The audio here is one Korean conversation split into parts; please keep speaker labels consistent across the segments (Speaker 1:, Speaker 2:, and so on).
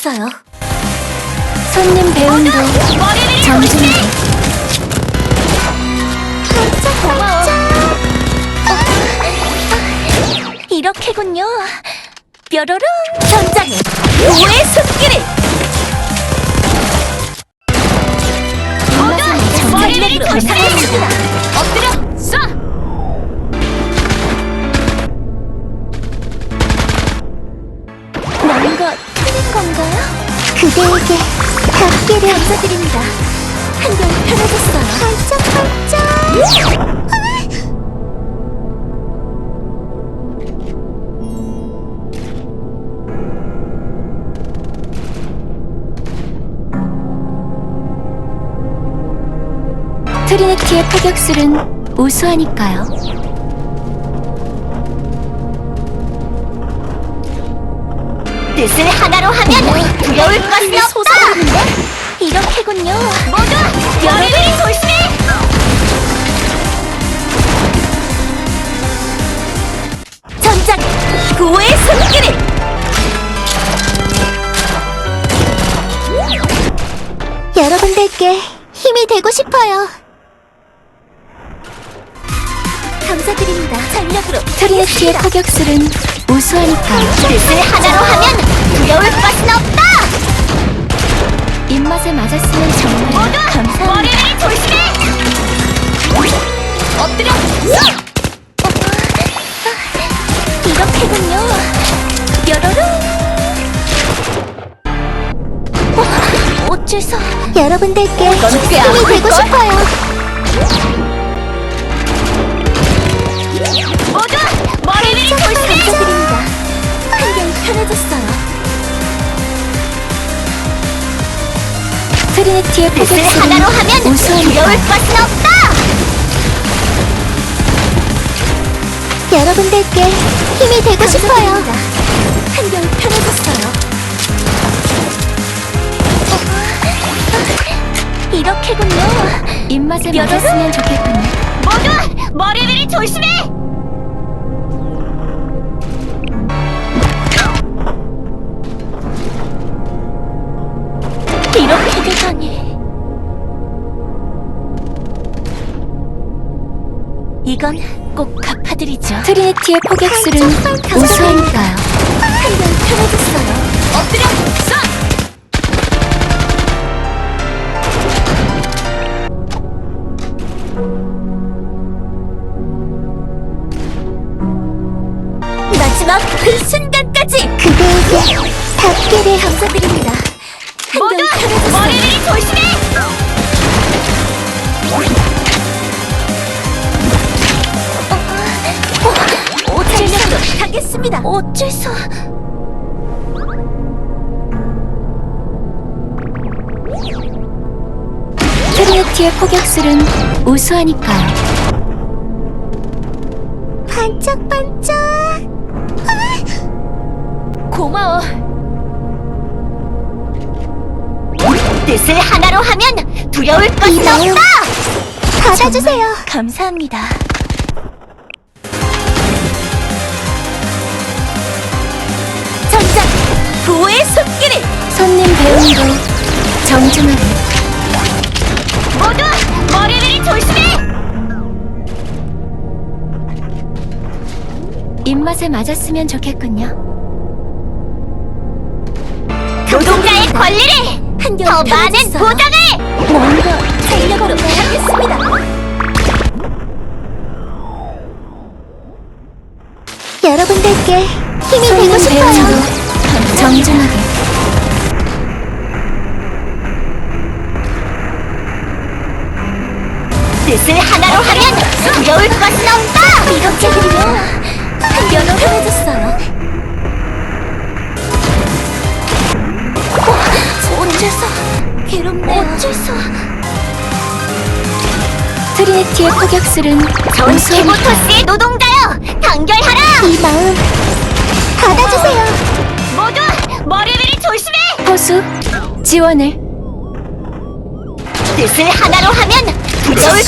Speaker 1: 편해졌어요. 손님 배움도 정중하게. 고마워. 이렇게군요. 뾰로롱. 전장에 오의 숲길을.
Speaker 2: 머리를 돌상했습니다. 엎드려 쏴.
Speaker 1: 뭔가 틀린 건가요? 그대에게 닿기를. 감사드립니다. 한결 편해졌어요. 반짝반짝. 트리니티의 파격술은 우수하니까요.
Speaker 2: 뜻을 하나로 하면 두려울 것이 없다.
Speaker 1: 이렇게군요.
Speaker 2: 모두 머리를 조심해.
Speaker 1: 전장 구호의 손길을. 여러분들께 힘이 되고 싶어요. 감사드립니다. 전력으로. 트리니티의 파격술은 우수하니까요.
Speaker 2: 뜻을 하나로 하면 두려울 것은 없다.
Speaker 1: 입맛에 맞았으면 정말
Speaker 2: 모두
Speaker 1: 감사합니다.
Speaker 2: 머리를 조심해. 엎드려 쏴.
Speaker 1: 이렇게군요. 뾰로롱. 어째서 여러분들께
Speaker 2: 이건 꽤
Speaker 1: 힘이 되고
Speaker 2: 아플걸?
Speaker 1: 싶어요.
Speaker 2: 모두 머리를 조심해.
Speaker 1: 감사드립니다. 한결 편해졌어요. 트리니티의
Speaker 2: 뜻을 하나로 하면 두려울
Speaker 1: 우수하니까.
Speaker 2: 것은 없다.
Speaker 1: 여러분들께 힘이 되고 싶어요. 한결 편해졌어요. 이렇게군요. 입맛에 맞았으면 좋겠군요.
Speaker 2: 모두 머리를 조심해.
Speaker 1: 이렇게 되다니. 이건 꼭 갚아드리죠. 트리니티의 포격술은 우수하니까요. 한결 편해졌어요.
Speaker 2: 엎드려 쏴.
Speaker 1: 마지막 그 순간까지 그대에게 닿기를. 감사드립니다.
Speaker 2: 모두
Speaker 1: 한결 편해졌어요.
Speaker 2: 머리를 조심해.
Speaker 1: 전력으로 가겠습니다. 어째서 트리니티의 포격술은 우수하니까요. 반짝반짝. 고마워.
Speaker 2: 뜻을 하나로 하면 두려울 것은
Speaker 1: 마음
Speaker 2: 없다.
Speaker 1: 받아주세요. 감사합니다. 전장 구호의 손길을. 손님 배움도 정중하게.
Speaker 2: 모두 머리를 조심해.
Speaker 1: 입맛에 맞았으면 좋겠군요.
Speaker 2: 노동자의 권리를
Speaker 1: 한결
Speaker 2: 더 많은
Speaker 1: 편해졌어요.
Speaker 2: 보장을.
Speaker 1: 뭔가 전력으로 하겠습니다. 여러분들께 힘이 되고 싶어요. 정중하게.
Speaker 2: 뜻을 하나로 하면 두려울 것은 없다.
Speaker 1: 이렇게 되면 한결 편해졌어요. 어째서 괴롭네요. 어째서 트리니티의 포격술은
Speaker 2: 전
Speaker 1: 우수하니까요.
Speaker 2: 키보토스의 노동자여, 단결하라.
Speaker 1: 이 마음 받아주세요.
Speaker 2: 모두 머리를 조심해.
Speaker 1: 호수 지원을.
Speaker 2: 뜻을 하나로 하면 두려울.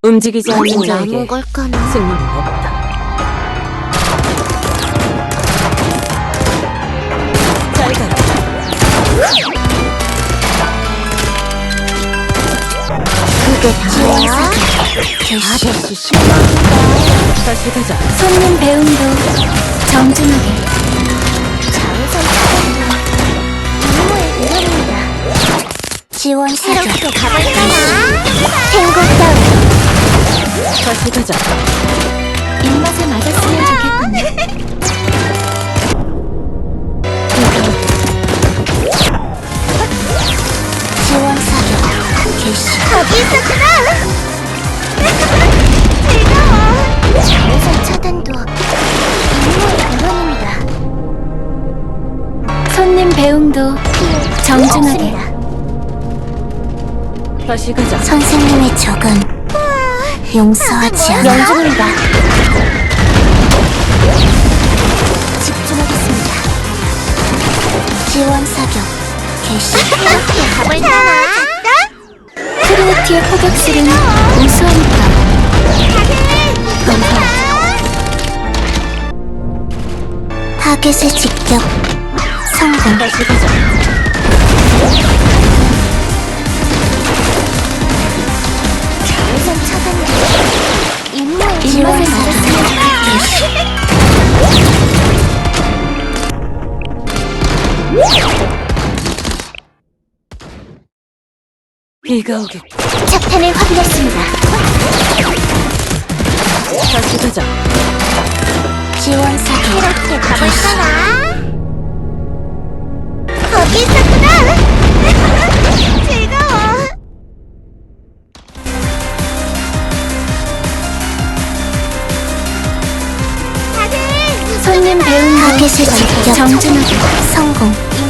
Speaker 3: 움직이지 않는 자에게
Speaker 2: 걸까나?
Speaker 3: 승리는 없다. 잘 가라.
Speaker 2: 그게 다야? 아저씨 싫어.
Speaker 3: 다시 가자.
Speaker 1: 손님 배웅도 정중하게.
Speaker 2: 자외선 차단도 임무의 일환입니다. 지원 새롭게 가볼까나? 행복다운
Speaker 3: 다시 가자.
Speaker 1: 입맛에 맞았으면 좋겠군요.
Speaker 2: 지원 사격 개시. 거기 있었구나. 즐거워. 자외선 차단도 임무의 일환입니다.
Speaker 1: 손님 배웅도 정중하게.
Speaker 2: 없습니다.
Speaker 3: 다시 가자.
Speaker 2: 선생님의 적은 용서하지 않아. 명중입니다. 집중하겠습니다. 지원 사격 개시. 이렇게 가볼까나?
Speaker 1: 트리니티의 포격술은 우수하니까.
Speaker 2: 타겟의 직격 성공.
Speaker 3: 다시 가자.
Speaker 2: 자외선 차단 임무의
Speaker 1: 지원
Speaker 2: 지원 사격 개시.
Speaker 3: 비가 오겠다.
Speaker 2: 작탄을 확인했습니다.
Speaker 3: 다시 가자.
Speaker 2: 지원 사격 이렇게 가볼까나? 거기 있었구나. 즐거워. 다들
Speaker 1: 손님 배웅도
Speaker 2: 타겟의 직격
Speaker 1: 정중하게.
Speaker 2: 성공.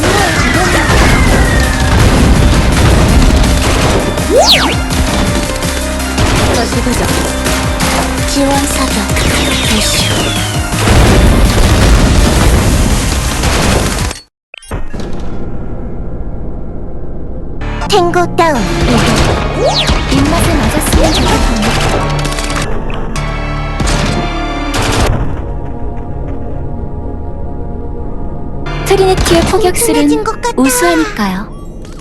Speaker 3: 다시 가자.
Speaker 2: 지원 사격 개시. 탱고 다운.
Speaker 1: 입맛에 맞았으면 좋겠군요. 트리니티의 포격술은
Speaker 2: 튼튼해진 것 같다.
Speaker 1: 우수하니까요.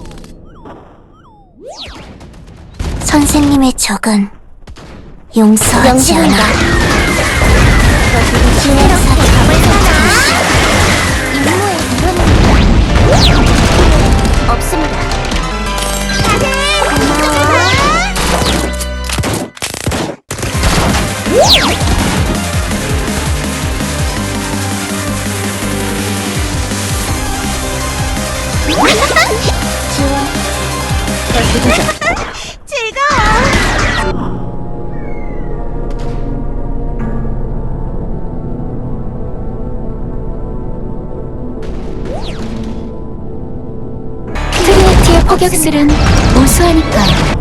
Speaker 2: 선생님의 적은 용서하지 않아. 지원 사격 개시. 임무의 일원입니다. 없습니다. 고마워. 지원
Speaker 3: 다시 가자.
Speaker 2: 즐거워.
Speaker 1: 트리니티의 포격술은 우수하니까요.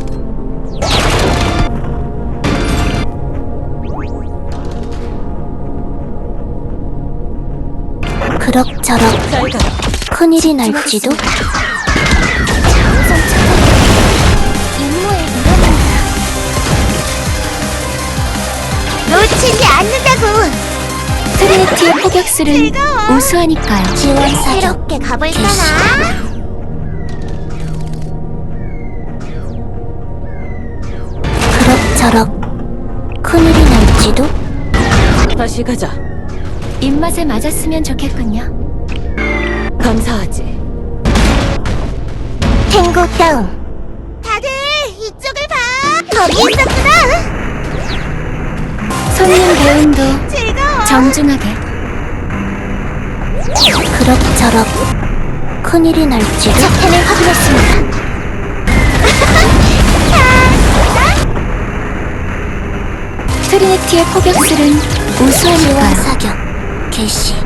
Speaker 2: 그럭저럭
Speaker 3: 잘 가라.
Speaker 2: 큰일이 날지도. 자외선 차단 임무의 일환입니다. 놓치지 않는다고.
Speaker 1: 트리니티의 포격술은 우수하니까요.
Speaker 2: 지원 사격 새롭게 가볼까나? 그럭저럭 큰일이 날지도.
Speaker 3: 다시 가자.
Speaker 1: 입맛에 맞았으면 좋겠군요.
Speaker 3: 감사하지.
Speaker 2: 탱고 다운. 다들 이쪽을 봐. 거기 있었구나.
Speaker 1: 손님 배웅도
Speaker 2: 즐거워.
Speaker 1: 정중하게.
Speaker 2: 그럭저럭 큰일이 날지도. 작탄을 확인했습니다.
Speaker 1: 트리니티의 포격술은
Speaker 2: 지원
Speaker 1: 우수하니까요.
Speaker 2: 사격 개시.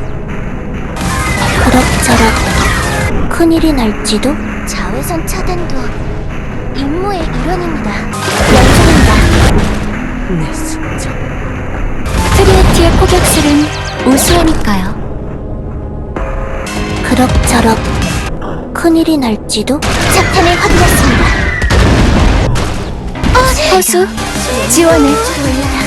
Speaker 2: 그럭저럭 큰일이 날지도. 자외선 차단도 임무의 일환입니다. 명중입니다.
Speaker 3: 내 숙적.
Speaker 1: 트리니티의 포격술은 우수하니까요.
Speaker 2: 그럭저럭 큰일이 날지도. 작탄을 확인했습니다.
Speaker 1: 호수 지원을